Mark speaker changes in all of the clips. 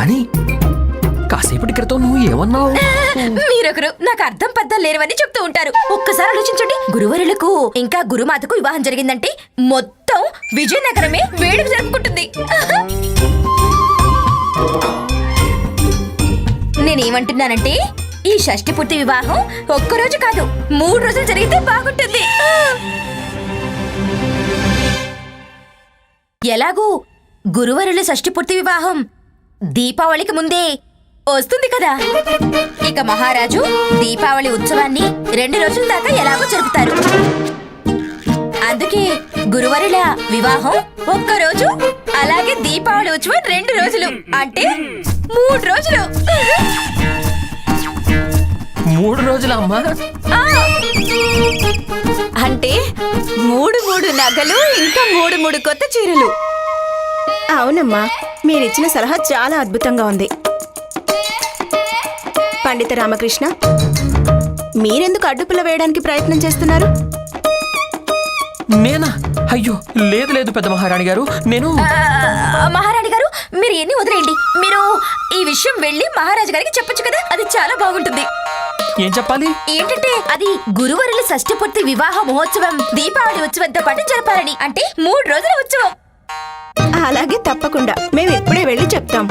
Speaker 1: రాణి, కాసేపటి క్రితం నువ్వు ఏమన్నావు?
Speaker 2: మీరొకరు నాకు అర్థం పద్ధం లేనివని చెప్తూ ఉంటారు. ఒక్కసారి ఆలోచించండి, గురువరులకు ఇంకా గురుమాతకు వివాహం జరిగిందంటే మొత్తం విజయనగరమే వేడుక జరుపుకుంటుంది. నేనేమంటున్నానంటే ఈ షష్ఠి పూర్తి వివాహం ఒక్కరోజు కాదు 3 రోజులు జరిగితే బాగుంటుంది. ఎలాగూ గురువరుల షష్ఠి పూర్తి వివాహం దీపావళికి ముందే వస్తుంది కదా. ఇక మహారాజు దీపావళి ఉత్సవాన్ని 2 రోజుల దాకా ఎలాగో జరుపుతారు. అందుకే గురువరుల వివాహం ఒక్కరోజు, అలాగే దీపావళి ఉత్సవం 2 రోజులు, అంటే 3 రోజులు.
Speaker 1: 3 రోజుల అమ్మా?
Speaker 2: అంటే 3 నగలు ఇంకా 3 కొత్త చీరలు.
Speaker 3: అవునమ్మా, మీరిచ్చిన సలహా చాలా అద్భుతంగా ఉంది. పండిత రామకృష్ణ, మీరెందుకు అడ్డుపుల్ల వేయడానికి ప్రయత్నం చేస్తున్నారు?
Speaker 1: నేనా? అయ్యో లేదు లేదు పెద్ద మహారాణి గారు, నేను
Speaker 2: మహారాణి గారు మీరు ఎన్ని వదిలేయండి. మీరు ఈ విషయం వెళ్ళి మహారాజు గారికి చెప్పొచ్చు కదా, అది చాలా బాగుంటుంది.
Speaker 1: ఏం చెప్పాలి?
Speaker 2: ఏంటంటే అది గురువరుల షష్ఠి పూర్తి వివాహ మహోత్సవం దీపావళి ఉత్సవంతో పాటు జరపాలని, అంటే 3 రోజుల ఉత్సవం.
Speaker 3: అలాగే, తప్పకుండా మేము ఇప్పుడే వెళ్ళి చెప్తాం.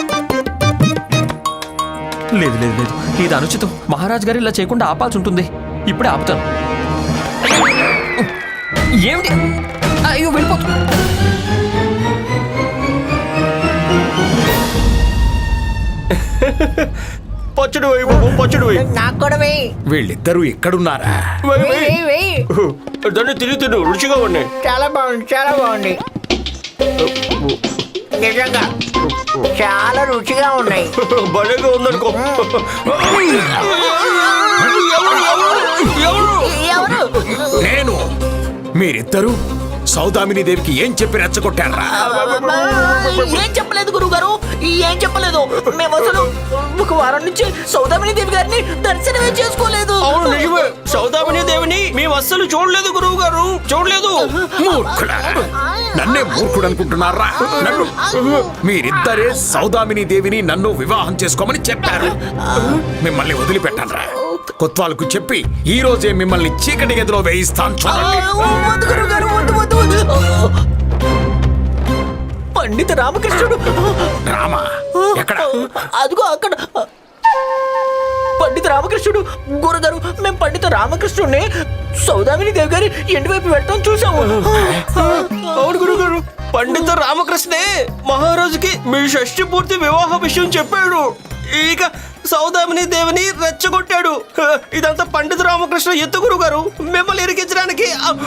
Speaker 1: లేదు లేదు లేదు, ఇది అనుచితం. మహారాజు గారు ఇలా చేయకుండా ఆపాల్సి ఉంటుంది. ఇప్పుడే ఆపుతాను. ఏమిటి? అయ్యో వెళ్ళిపోతు.
Speaker 4: పచ్చడి వేయి బాబు, పచ్చడి వేయి.
Speaker 5: నాకు కూడా వేయి.
Speaker 4: వీళ్ళిద్దరూ ఎక్కడున్నారా? దాన్ని తిను, రుచిగా ఉన్నాయి.
Speaker 5: చాలా బాగుంది, చాలా బాగుంది. నిజంగా చాలా రుచిగా ఉన్నాయి.
Speaker 4: భలేగా ఉందనుకో. నేను మీరిద్దరూ సౌదామిని దేవికి ఏం చెప్పి రెచ్చగొట్టారా?
Speaker 5: ఏం చెప్పలేదు గురువుగారు, ఏం చెప్పలేదు. మేము అసలు 1 వారం నుంచి సౌదామిని దేవి గారిని దర్శనమే చేసుకోలేదు.
Speaker 4: అవును నిజమే, సౌదామిని దేవిని మేము అస్సలు చూడలేదు గురువు గారు, చూడలేదు. మూర్ఖుడా, నన్నే మూర్ఖుడు అనుకుంటున్నారా? మీరిద్దరే సౌదామిని దేవిని నన్ను వివాహం చేసుకోమని చెప్పారు. మిమ్మల్ని వదిలిపెట్టనరా? కొత్వాలకు చెప్పి ఈ రోజే మిమ్మల్ని చీకటి గదిలో వేయిస్తాను.
Speaker 5: వద్దు గురువుగారు, వద్దు వద్దు. పండిత రామకృష్ణుడు.
Speaker 4: రామా ఎక్కడ?
Speaker 5: అదిగో అక్కడ. పండిత రామకృష్ణుడు. గురుగారు, మేము పండిత రామకృష్ణుడిని సౌదామిని దేవి గారి ఇంటి వైపు వెళ్ళటం చూసాము.
Speaker 4: అవును గురుగారు, పండిత రామకృష్ణే మహారాజుకి మీ షష్ఠి పూర్తి వివాహ విషయం చెప్పాడు. ఇక సౌదామిని దేవిని రెచ్చగొట్టాడు. ఇదంతా పండిత రామకృష్ణ ఎత్తు గురుగారు, మిమ్మల్ని ఇరికించడానికి.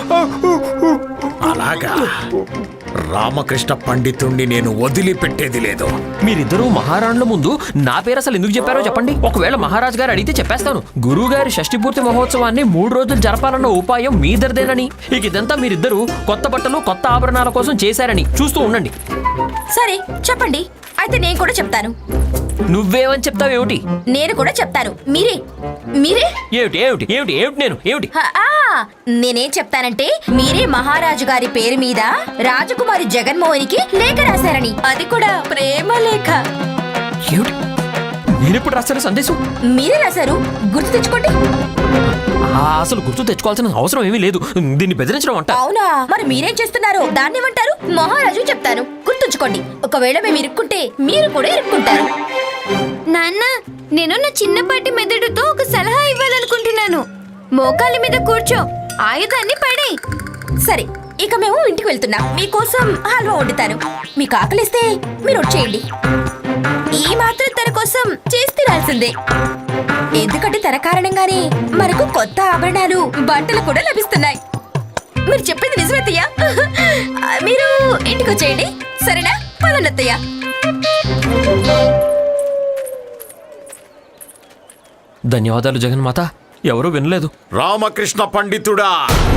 Speaker 4: అలాగా, రామకృష్ణ పండితుణ్ణి నేను వదిలిపెట్టేది లేదు.
Speaker 1: మీరిద్దరూ మహారాణుల ముందు నా పేరు అసలు ఎందుకు చెప్పారో చెప్పండి. ఒకవేళ మహారాజు గారు అడిగితే చెప్పేస్తాను. గురువు గారి షష్ఠి పూర్తి మహోత్సవాన్ని 3 రోజులు జరపాలన్న ఉపాయం మీదరిదేనని, ఇక ఇదంతా మీరిద్దరూ కొత్త బట్టలు కొత్త ఆభరణాల కోసం చేశారని. చూస్తూ ఉండండి.
Speaker 2: సరే చెప్పండి, అయితే నేను కూడా చెప్తాను.
Speaker 1: నువ్వేమని చెప్తావేమిటి?
Speaker 2: నేను కూడా చెప్తాను. మీరే
Speaker 1: ఏమిటి ఏమిటి ఏమిటి ఏమిటి నేను ఏమిటి?
Speaker 2: నేనేం చెప్తానంటే మీరే మహారాజు గారి పేరు మీద రాజకుమారి జగన్మోహనికి లేఖ రాశారని, అది కూడా ప్రేమ లేఖ.
Speaker 1: ఏమిటి? నేనెప్పుడు రాశాను సందేశం?
Speaker 2: మీరే రాశారు, గుర్తు తెచ్చుకోండి.
Speaker 1: అసలు గుర్తు తెచ్చుకోవాల్సిన అవసరం ఏమీ లేదు. దీన్ని బెదిరించడం అంట.
Speaker 2: అవునా? మరి మీరేం చేస్తున్నారు? దాన్ని ఏమంటారు? మహారాజు చెప్తాను, గుర్తుంచుకోండి. ఒకవేళ మేము ఇరుక్కుంటే మీరు కూడా ఇరుక్కుంటారు.
Speaker 6: నాన్న, నేను నా చిన్నపాటి మెదడుతో ఒక సలహా ఇవ్వాలనుకుంటున్నాను. మోకాలి మీద కూర్చో, ఆయుధాన్ని పడే.
Speaker 2: సరే, ఇక మేము ఇంటికి వెళ్తున్నాం. మీకోసం హల్వా వండుతాను. మీకు ఆకలిస్తే మీరు వచ్చేయండి. ఈ మాత్రం తన కోసం చేసి తినాల్సిందే. ఎందుకంటే తన కారణంగానే మనకు కొత్త ఆభరణాలు బట్టలు కూడా లభిస్తున్నాయి. మీరు చెప్పింది నిజమేతయ్య. మీరు ఇంటికి వచ్చేయండి, సరేనా? పదన్నత్తయ్య.
Speaker 1: ధన్యవాదాలు జగన్మాత. ఎవరూ వినలేదు.
Speaker 4: రామకృష్ణ పండితుడా,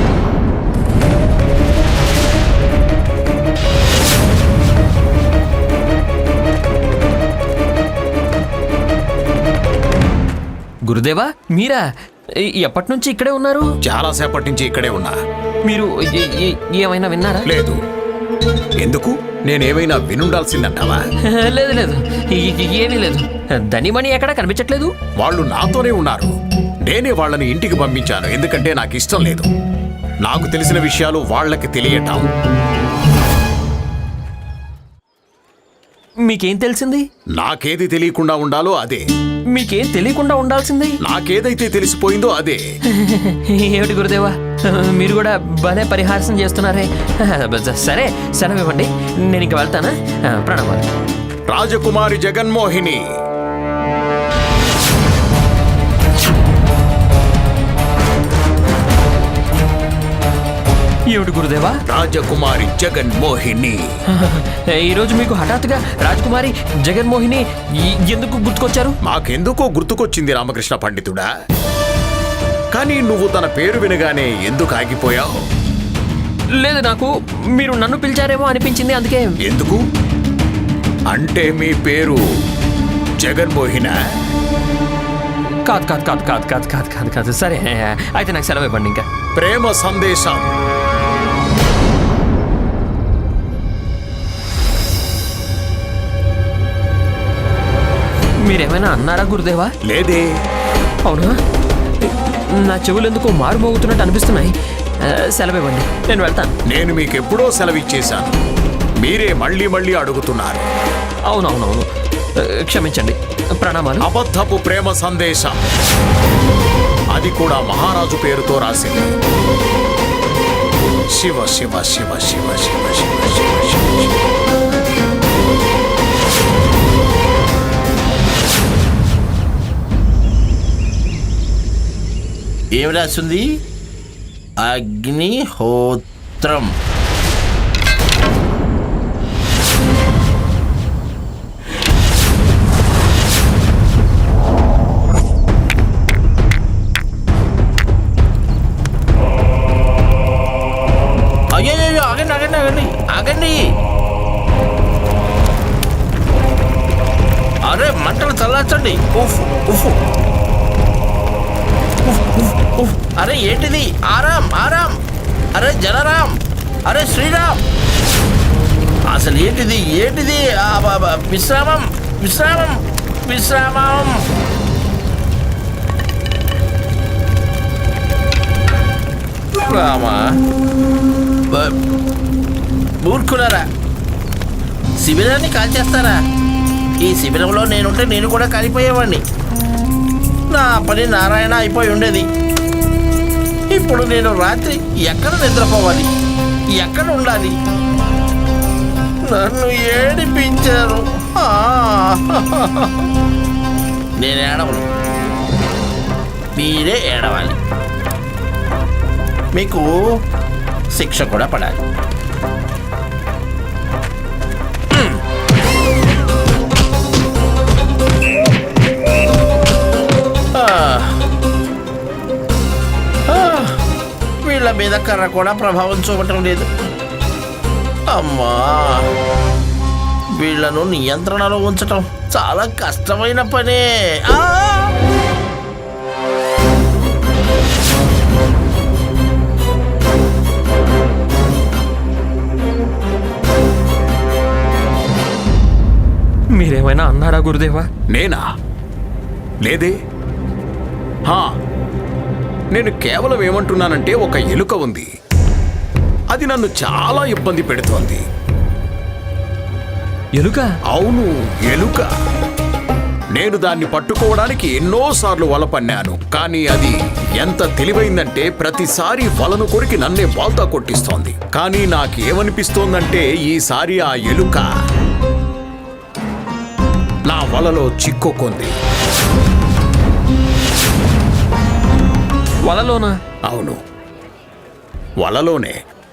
Speaker 1: గురుదేవా, మీరా? ఎప్పటి నుంచి ఇక్కడే ఉన్నారు?
Speaker 4: చాలా సేపటి నుంచి ఇక్కడే ఉన్నా.
Speaker 1: మీరు ఏమైనా విన్నారా?
Speaker 4: లేదు, ఎందుకు నేనేమైనా వినుండాల్సిందంటావా?
Speaker 1: లేదు లేదు ఏమీ లేదు. ధనిమణి ఎక్కడా కనిపించట్లేదు.
Speaker 4: వాళ్ళు నాతోనే ఉన్నారు. నేనే వాళ్ళని ఇంటికి పంపించాను, ఎందుకంటే నాకు ఇష్టం లేదు నాకు తెలిసిన విషయాలు వాళ్ళకి తెలియటం.
Speaker 1: మీకేం తెలిసింది?
Speaker 4: నాకేది తెలియకుండా ఉండాలో అదే.
Speaker 1: మీకేం తెలియకుండా ఉండాల్సింది?
Speaker 4: నాకేదైతే తెలిసిపోయిందో అదే.
Speaker 1: ఏమిటి గురుదేవా, మీరు కూడా భలే పరిహాసం చేస్తున్నారే. సరే సెలవు ఇవ్వండి, నేను ఇంక వెళ్తానా. ప్రణామాలు.
Speaker 4: రాజకుమారి జగన్మోహిని.
Speaker 1: ఏమిటి గురుదేవా?
Speaker 4: రాజకుమారి జగన్మోహిని.
Speaker 1: ఈరోజు మీకు హఠాత్తుగా రాజకుమారి జగన్మోహిని ఎందుకు గుర్తుకొచ్చారు?
Speaker 4: మాకెందుకో గుర్తుకొచ్చింది రామకృష్ణ పండితుడా. కానీ నువ్వు తన పేరు వినగానే ఎందుకు ఆగిపోయావు?
Speaker 1: లేదు, నాకు మీరు నన్ను పిలిచారేమో అనిపించింది, అందుకే.
Speaker 4: ఎందుకు అంటే మీ పేరు జగన్మోహిన?
Speaker 1: కాదు కాదు కాదు కాదు కాదు కాదు కాదు కాదు సరే అయితే నాకు సెలవు ఇవ్వండి. ఇంకా
Speaker 4: ప్రేమ సందేశం.
Speaker 1: మీరేమైనా అన్నారా గురుదేవా?
Speaker 4: లేదే.
Speaker 1: అవునా? నా చెవులు ఎందుకో మారు మోగుతున్నట్టు అనిపిస్తున్నాయి. సెలవు ఇవ్వండి, నేను వెళ్తాను.
Speaker 4: నేను మీకెప్పుడో సెలవిచ్చేశాను, మీరే మళ్ళీ మళ్ళీ అడుగుతున్నారు.
Speaker 1: అవునవునవును, క్షమించండి. ప్రణామాలు.
Speaker 4: అబద్ధపు ప్రేమ సందేశం, అది కూడా మహారాజు పేరుతో రాసింది. శివ శివ శివ శివ శివ శివ శివ శివ.
Speaker 7: ఏం రాస్తుంది? అగ్నిహోత్రం. అయ్యో ఆగండి ఆగండి ఆగండి ఆగండి. అరే మంటలు చల్లార్చండి. ఉఫ్ ఉఫ్. అరే ఏంటిది? ఆరాం ఆరాం. అరే జలరాం. అరే శ్రీరామ్. అసలు ఏంటిది ఏంటిది? విశ్రామం విశ్రామం విశ్రామం. రామా మూర్ఖులారా, శిబిరాన్ని కాల్చేస్తారా? ఈ శిబిరంలో నేనుంటే నేను కూడా కాలిపోయేవాడిని. నా పని నారాయణ అయిపోయి ఉండేది. ఇప్పుడు నేను రాత్రి ఎక్కడ నిద్రపోవాలి, ఎక్కడ ఉండాలి? నన్ను ఏడిపించారు. నేను ఏడవను, మీరే ఏడవాలి. మీకు శిక్ష కూడా పడాలి. వీళ్ళ మీద కర్ర కూడా ప్రభావం చూపటం లేదు. అమ్మా, వీళ్లను నియంత్రణలో ఉంచటం చాలా కష్టమైన పనే.
Speaker 1: మీరేమైనా అన్నారా గురుదేవా?
Speaker 4: నేనా? లేదే. నేను కేవలం ఏమంటున్నానంటే ఒక ఎలుక ఉంది, అది నన్ను చాలా ఇబ్బంది పెడుతోంది.
Speaker 1: ఎలుక?
Speaker 4: అవును, ఎలుక. నేను దాన్ని పట్టుకోవడానికి ఎన్నోసార్లు వల పన్నాను, కానీ అది ఎంత తెలివైందంటే ప్రతిసారి వలను కొరికి నన్నే బాల్తా కొట్టిస్తోంది. కానీ నాకేమనిపిస్తోందంటే ఈసారి ఆ ఎలుక నా వలలో చిక్కుకుంది.
Speaker 1: వలలోనా?
Speaker 4: అవును, వలలోనే.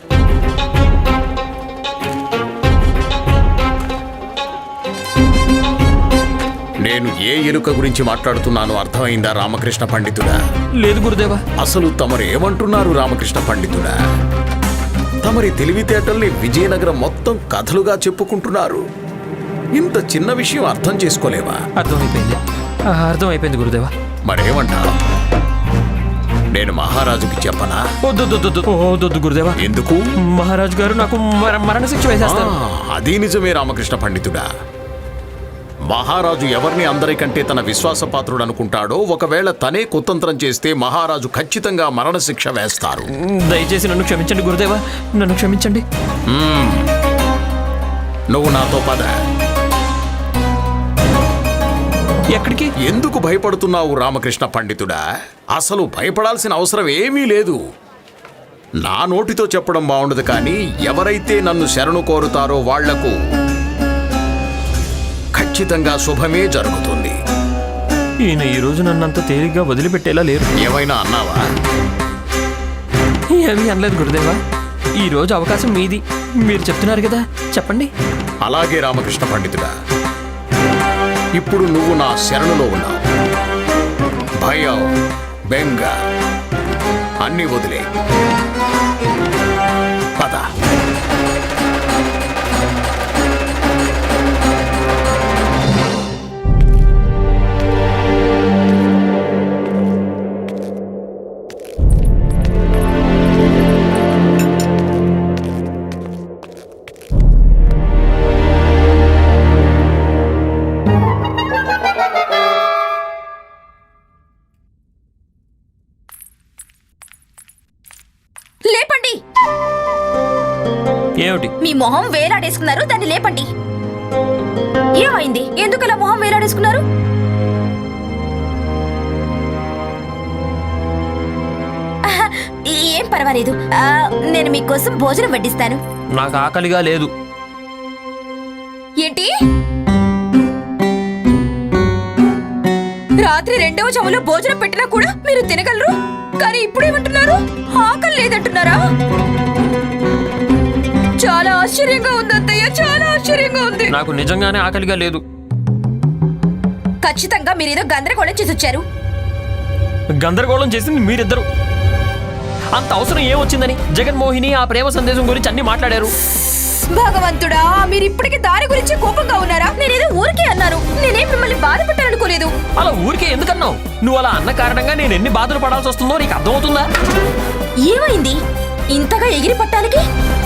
Speaker 4: నేను ఏ ఎలుక గురించి మాట్లాడుతున్నానో అర్థమైందా రామకృష్ణ పండితుడా?
Speaker 1: లేదు గురుదేవా.
Speaker 4: అసలు తమరు ఏమంటున్నారు రామకృష్ణ పండితుడా? తమరి తెలివితేటల్ని విజయనగరం మొత్తం కథలుగా చెప్పుకుంటున్నారు. ఇంత చిన్న విషయం అర్థం చేసుకోలేవా?
Speaker 1: అర్థమైపోయింది గురుదేవా.
Speaker 4: మరేమంటారు? నేను మహారాజుకి చెప్పనా?
Speaker 1: వద్దు గురుదేవా.
Speaker 4: ఎందుకు?
Speaker 1: మహారాజు గారు నాకు మరణశిక్ష వేసేస్తారు.
Speaker 4: అది నిజమే రామకృష్ణ పండితుడా. మహారాజు ఎవరిని అందరికంటే తన విశ్వాసపాత్రుడు అనుకుంటాడో ఒకవేళ తనే కుతంత్రం చేస్తే మహారాజు ఖచ్చితంగా మరణశిక్ష వేస్తారు.
Speaker 1: దయచేసి నన్ను క్షమించండి గురుదేవా, నన్ను క్షమించండి.
Speaker 4: నువ్వు నాతో పద.
Speaker 1: ఎక్కడికి?
Speaker 4: ఎందుకు భయపడుతున్నావు రామకృష్ణ పండితుడా? అసలు భయపడాల్సిన అవసరం ఏమీ లేదు. నా నోటితో చెప్పడం బాగుండదు, కానీ ఎవరైతే నన్ను శరణు కోరుతారో వాళ్లకు ఖచ్చితంగా శుభమే జరుగుతుంది.
Speaker 1: ఈయన ఈ రోజు నన్నంత తేలిగ్గా వదిలిపెట్టేలా లేరు.
Speaker 4: ఏమైనా అన్నావా?
Speaker 1: ఏమీ అనలేదు గురుదేవా. ఈ రోజు అవకాశం మీది, మీరు చెప్తున్నారు కదా, చెప్పండి.
Speaker 4: అలాగే రామకృష్ణ పండితుడా, ఇప్పుడు నువ్వు నా శరణులో ఉన్నావు. భయం, బెంగ అన్నీ వదిలే. పద.
Speaker 2: లేపండి.
Speaker 1: ఏమిటి?
Speaker 2: మీ మొహం వేలాడేసుకున్నారు, దాన్ని లేపండి. ఏమైంది? ఎందుకు అలా మొహం వేలాడేసుకున్నారు? ఆహా, ఏం పర్వాలేదు. నేను మీకోసం భోజనం వడ్డిస్తాను.
Speaker 1: నాకు ఆకలిగా లేదు.
Speaker 2: ఏంటి? రాత్రి 2వ చెవులో భోజనం పెట్టినా కూడా మీరు తినగలరు, కానీ ఇప్పుడేమంటున్నారు? ఆకలి లేదంటున్నారా? చాలా ఆశ్చర్యంగా ఉంది అత్తయ్య, చాలా ఆశ్చర్యంగా ఉంది.
Speaker 1: నాకు నిజంగానే ఆకలిగా లేదు.
Speaker 2: ఖచ్చితంగా మీరేదో గందరగోళం చేసి వచ్చారు.
Speaker 1: గందరగోళం చేసింది మీరిద్దరు. అంత అవసరం ఏమొచ్చిందని జగన్మోహిని ఆ ప్రేమ సందేశం గురించి అన్ని మాట్లాడారు.
Speaker 2: భగవంతుడా, మీరు ఇప్పటికీ దాని గురించి కోపంగా ఉన్నారా? నేనేదో ఊరికే అన్నాను, నేనేం మిమ్మల్ని బాధ పెట్టాలనుకోలేదు.
Speaker 1: అలా ఊరికే ఎందుకన్నావు? నువ్వు అలా అన్న కారణంగా నేను ఎన్ని బాధలు పడాల్సి వస్తుందో నీకు అర్థమవుతుందా?
Speaker 2: ఏమైంది ఇంతగా ఎగిరి పట్టానికి?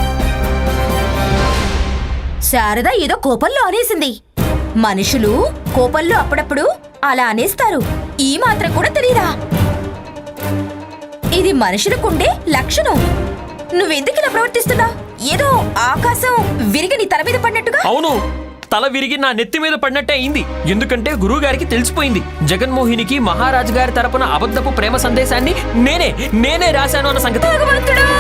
Speaker 2: శారద ఏదో కోపంలో అనేసింది. మనుషులు కోపంలో అప్పుడప్పుడు అలా అనేస్తారు. ఈ మాత్రం కూడా తెలీదా? ఇది మనుషులకుండే లక్షణం. నువ్వెందుకు ఇలా ప్రవర్తిస్తున్నావు? ఏదో ఆకాశం విరిగి నీ తల మీద పడినట్టుగా.
Speaker 1: అవును, తల విరిగి నా నెత్తి మీద పడినట్టే అయింది. ఎందుకంటే గురువు గారికి తెలిసిపోయింది జగన్మోహినికి మహారాజు గారి తరపున అబద్ధపు ప్రేమ సందేశాన్ని నేనే రాశాను అన్న సంగతి.
Speaker 2: భగవంతుడా!